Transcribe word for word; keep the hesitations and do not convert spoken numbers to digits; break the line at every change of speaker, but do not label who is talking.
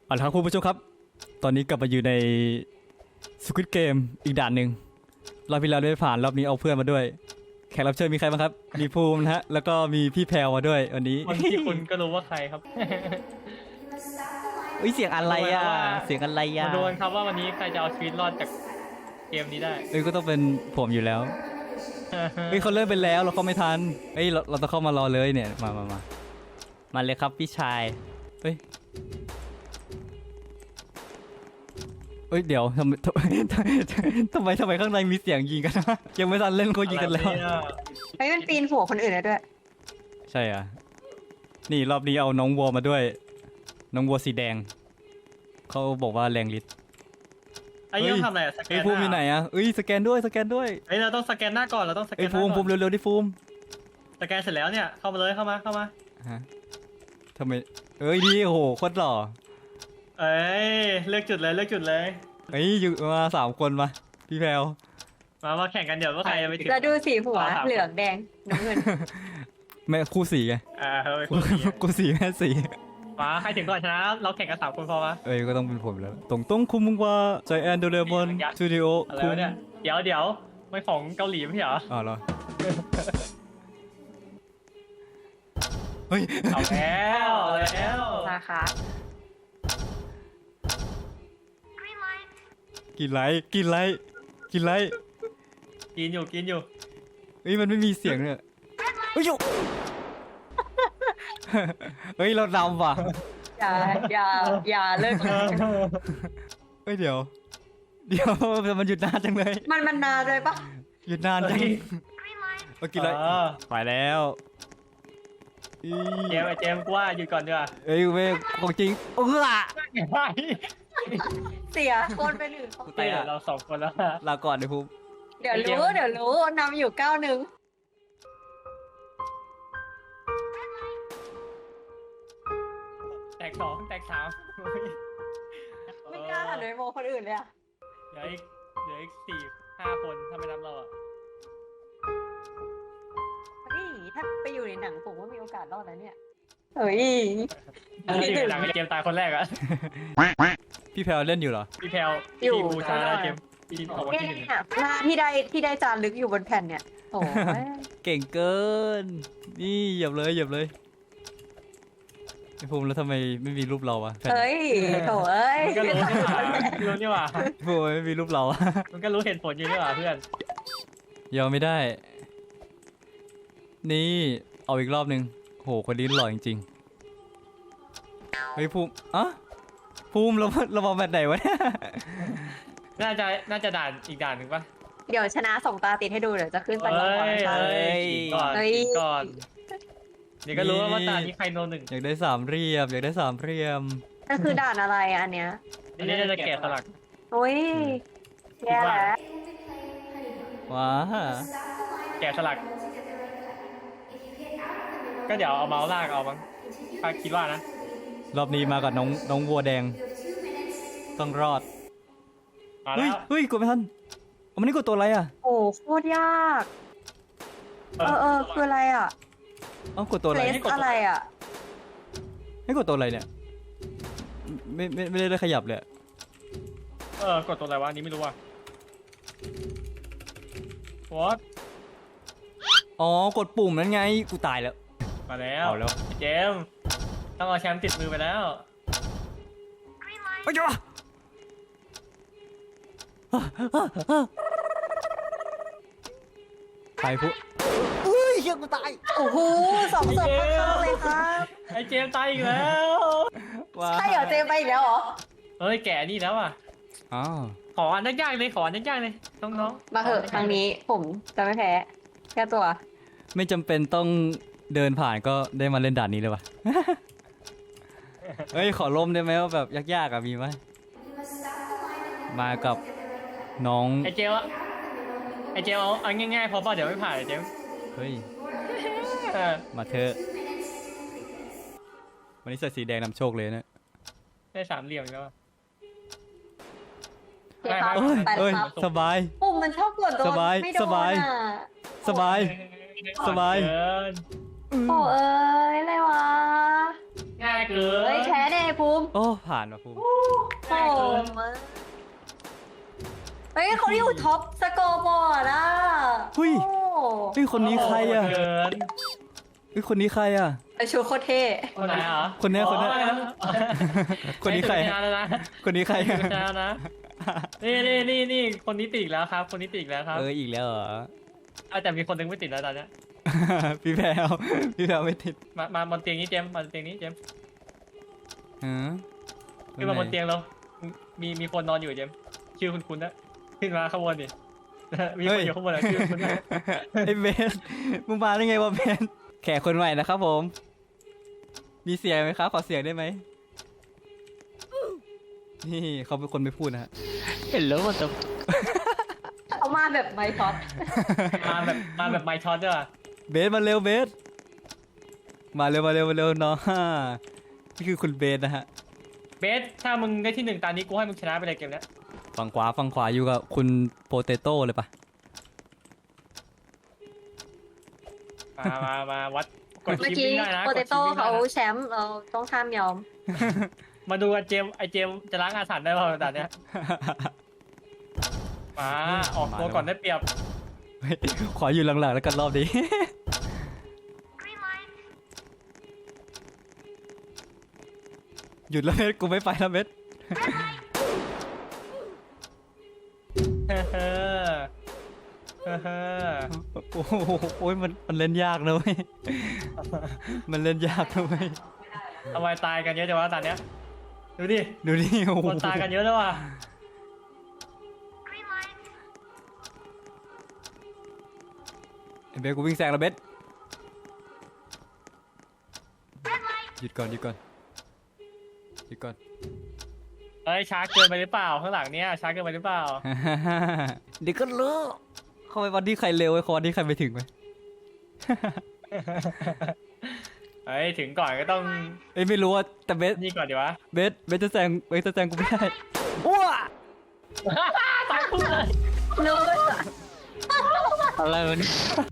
เอาละครับคุณผู้ชมครับตอนนี้กลับมาอยู่ใน Squid Game อีกด่านหนึ่งรอบที่แล้วไม่ผ่านรอบนี้เอาเพื่อนมาด้วยแขกรับเชิญมีใครบ้างครับมีภูมินะฮะแล้วก็มีพี่แพรวมาด้วยวันนี้
คนที่คุณก็รู้ว่าใครครับ
เฮ้ยเสียงอะไรอ่ะเสียงอะไรอ่ะ
มาดูกันครับว่าวันนี้ใครจะเอาชีวิตรอดจากเกมนี้ได้
เอ้ยก็ต้องเป็นผมอยู่แล้วเฮ้ยเขาเริ่มไปแล้วเราเข้าไม่ทันเฮ้ยเราเราต้องเข้ามารอเลยเนี่ยมามามามาเลยครับพี่ชายเฮ้ยเฮ้ยเดี๋ยวทำไมทำไมทำไมทำไมข้างในมีเสียงยิงกันนะยังไม่ทันเล่นเขายิงกันแล้ว
เฮ้ยมันปีนหัวคนอื่นได้ด้วย
ใช่อ่ะนี่รอบนี้เอาน้องวัวมาด้วย น้องวัวสีแดงเขาบอกว่าแรงฤทธิ์
ไอ้ยังทำอะไรอะสแก
เอ้ย
น
ภูมิมีไหนอ่ะเอ้ยสแกนด้วยสแกนด้วย
เฮ้ยเราต้องสแกนหน้าก่อนเราต้องสแก
เอ้ย
นห
ภู
น้า
มิ
ก่
ภู
อน
มิเร็วๆดิภูมิ
สแกนเสร็จแล้วเนี่ยเข้ามาเลยเข้ามาเข้ามา
ฮะทำไมเอ้ยดีโอ้โหโคตรหล่อ
เอ้ยเลือกจุดเลยเลือกจุดเลย
เอ้ยอยู่มาสามคนมาพี่แพรว
มามาแข่งกันเดี๋ยวว่าใครจะไปถึง
แล้วดูสีหัว
ต่อครับ
เหลืองแดงน้ำเงิน
แม่คู่สีไง
อ่าเฮ้ยคนนี้
คู่สีแม่สี
มาใครถึงก่อนชนะเราแข่งกันสามคนพอปะ
เอ้ยก็ต้องเป็นผมแล้วตรงต้องคุมมึงว่าใจแอนโดเรมอนสตูดิโอ
อะไร
คุม
วะเนี่ยเดี๋ยวเดี๋ยวไม่ของเกาหลีไม่ใช่เหรอ
อ๋อเหรอเฮ้ย
เอาแล้วเอาแล้ว
นะคะ
กินไรกินไรกินไร
กินอยู่กินอยู่
เฮ้ยมันไม่มีเสียงเนี่ยเฮ้ยอยู่ เฮ้ยเราดำว่ะ
อย่าอย่าอย่าเลิกเลย
เฮ้ยเดี๋ยว เดี๋ยวมันหยุดนานจังเลย
มันมันนานเลยปะ
หยุดนานจังเมื่อกี้ไร
เออ
ไปแล้วอี
เจมส์ไอ้เจมส์กูว่าหยุดก่อนดีกว่า
เอ้ยเว้ยของจริงเออ
ไม่
เสียคนไปหนึ่งคน
ไปอะ
เราสองคนแล้วนะ
ลาก่อนเลยภูมิ
เดี๋ยวรู้เดี๋ยวรู้นำอยู่เก้าหนึ่ง
แตกสองแตกสาม
ไม่กล้าหันไปมองคนอื่นเลยอะ
เหลืออีกเหลืออีกสี่ห้าคนถ้าไม่นับเราอ่ะ
เฮ้ยถ้าไปอยู่ในหนังผมว่ามีโอกาสรอดนะเนี่ยเฮ้ย
ที่หลังไอ้เจมส์ตายคนแรกอ่ะ
พี่แพลวเล่นอยู่เหรอ
พี่แพลวพี่บูชาแล้วเจมส์พี่ของวันที่หนึ่ง
เนี่ยหน้าที่ได้ที่ได้จานลึกอยู่บนแผ่นเนี่ยโอ้ย
เก่งเกิน นี่เหยียบเลยเหยียบเลยไอ้ภูมิแล้วทำไมไม่มีรูปเราอะแผ่น
เฮ้ยโถ่เอ้ย
มันก็รู้นี่หว่ารู้นี่หว่า
ภูมิไม่มีรูปเราอะ
มันก็รู้เหตุผลอยู่นี่หว่าเพื่อน
ยอมไม่ได้ นี่เอาอีกรอบหนึ่งโหคนนี้หล่อจริงๆเฮ้ยภูมิอะภูมิเราเรามาแบบไหนวะเนี่ย
น่าจะน่าจะด่านอีกด่านหนึ่งปะ
เดี๋ยวชนะสองตาติดให้ดูเดี๋ยวจะขึ้นไป
เฮ้
ก่อน
ย
ค่ะ
เฮ้ยก่อน
เฮ้ย
ก่อนเดี๋ยวก็รู้ว่าตานี้ใครโนหนึ่ง
อยากได้สามเหลี่ยมอยากได้สามเหลี่ยม
นั่นคือด่านอะไรอะอันเนี้ย
อันนี้น่าจะแกะสลัก
โอ้ยแย่แล้ว
ว้า
แกะสลัก ก็เดี๋ยวเอาเมาส์ลากเอามั้งถ้าคิดว่านะ
รอบนี้มากับน้องน้องวัวแดง ต้องรอด
มา
เฮ้
แล้
ยว เฮ้ยกดไม่ทันเอามันนี่กดตัวอะไรอะ
โอ้โคตรยาก เออเออคืออะไรอ่ะ
เอ้ากดตัวอะ
เล
ไร
สอะไรอ่ะ
ให้กดตัวอะไรเนี่ยไม่ไม่ไม่ได้ขยับเลยอะ
เออกดตัวอะไรวะอันนี้ไม่รู้ว่ะวอต
อ๋อกดปุ่มนั้นไงกูตายแล้ว
มาแล้ว
เอาแล้ว
เจมส์ต้องเอาแชมป์ติดมือไปแล้ว
ไปจ้ะใครพูดอุ้ยเฮียกูตาย
โอ้โหสองศพข้างๆเลยครับ
ไอเจมส์ตายอีกแล้ว
ว้า
ใช่เหรอเจมไปอีกแล้วเหรอ
เฮ้ยแก่นี่แล้วอ่ะ
อ๋อ
ขออันยากๆเลยขออันยากๆเลยน้องๆ
มาเหอะครั้งนี้ผมจะไม่แพ้แค่ตัว
ไม่จำเป็นต้องเดินผ่านก็ได้มาเล่นด่านนี้เลยว่ะ เฮ้ยขอลมได้ไหมว่าแบบยากๆอ่ะมีไหมมากับน้อง
ไอเจมส์อะไอเจมส์เอาเอาง่ายๆพอป่ะเดี๋ยวไม่ผ่านไอเจมส์
เฮ้ย
เออ
มาเถอะวันนี้ใส่สีแดงนำโชคเลยนะ
ได้สามเหลี่ยมแล้วอะ
โอเคครับ
เอ้ย
ไปแล้
เอ้
วย ครับ
สบาย
ปุ่มมันชอบกดโดน
สบาย
ไม่โดน
สบาย
อ่ะ
สบาย สบาย
เกิน
โอ้เอ้ยอะไรวะ
ง่ายเกิน
เฮ้ยแพ้แน่ไอ้ภูมิ
โอ้ผ่านว่ะภูมิ
โอ้โหเฮ้ยเขาอยู่ท็อปสกอร์บอร์ดอ่ะ
หุ้ย
โอ้
เฮ้ยคนนี้ใครอ่ะ
โหดเกิน
เฮ้ยคนนี้ใครอ่ะ
ไอชูโคตรเท่
คนไหนเหรอ
คนเนี้ยคนเนี้ย
อ๋อ
คนนี้ใคร
ใช้ถึงนานแล้วนะ
คนนี้ใคร
ใช้ถึงนานแล้วนะนี่นี่นี่นี่คนนี้ติดแล้วครับ คนนี้ติดแล้วครับ
เอออีกแล้วเหรอ
เอาแต่มีคนหนึงไม่ติดแล้วตอนเนี้ย
พี่แพรวพี่แพรวไม่ติด
มามาบนเตียงนี้เจมส์มาบนเตียงนี้เจมส์
ฮะ
ขึ้นมาบนเตียงเรามีมีคนนอนอยู่เจมส์ชื่อคุณคุณนะขึ้นมาข้างบนดิ มีคนอยู่ข้างบนอะชื่อคุณนะ
ไอ้เบสมึงมาได้ไงวะเบสแขกคนใหม่นะครับผม มีเสียงไหมครับขอเสียงได้ไหมนี่เขาเป็นคนไม่พูดนะฮะ
เห็นแล้วมันจะ
เขามาแบบไมค์ท็อป
มาแบบมาแบบไมค์ช็อตด้วยว่ะ
เบสมาเร็วเบสมาเร็วมาเร็วมาเร็วน้องฮ่านี่คือคุณเบสนะฮะ
เบสถ้ามึงได้ที่หนึ่งตอนนี้กูให้มึงชนะไปเลยเกมเนี้ย
ฝั่งขวาฝั่งขวาอยู่กับคุณโปเตโต้เลยปะ
มามามาวัดกด
เมื่อ
ชิป
กี้
วิ่งได้นะ
โป
ก
เต
ดชิ
โต้
ปวิ่งได้
เขา
นะ
แชมป์เราต้องห้ามยอม
มาดูกันเจมส์ไอเจมส์จะล้างอาถรรพ์ได้เปล่าตอนเนี้ยมาออกตัวก่อนได้เปรียบ
เฮ้ยขออยู่หลังๆแล้วกันรอบนี้ หยุดแล้วเบสกูไม่ไปแล้วเบส
เฮ้อเฮ้อเฮ้อเฮ้อ
โอ้โหโอ้ยมันมันเล่นยากนะเว้ย มันเล่นยากนะเว้ย
ทำไมตายกันเยอะจังวะตอนเนี้ยดูดิ
ดูนี่โอ้โห
คนตายกันเยอะแล้วว่ะ
ไอ้เบสกูวิ่งแซงแล้วเบสหยุดก่อนหยุดก่อนหยุดก่อน
เอ้ยช้าเกินไปหรือเปล่าข้างหลังเนี้ยช้าเกินไปหรือเปล่า
เดี๋ยวก็รู้เขาไปวันที่ใครเร็วไอ้เขาวันที่ใครไปถึงไหม
เฮ้ยถึงก่อนก็ต้อง
เอ้ยไม่รู้ว่าแต่เบส
นี่ก่อนดีวะ
เบสเบสจะแซงเบสจะแซงกูไม่ได้ว้า
ตายคู่เลย
นู้น
อะไรวะเนี่ย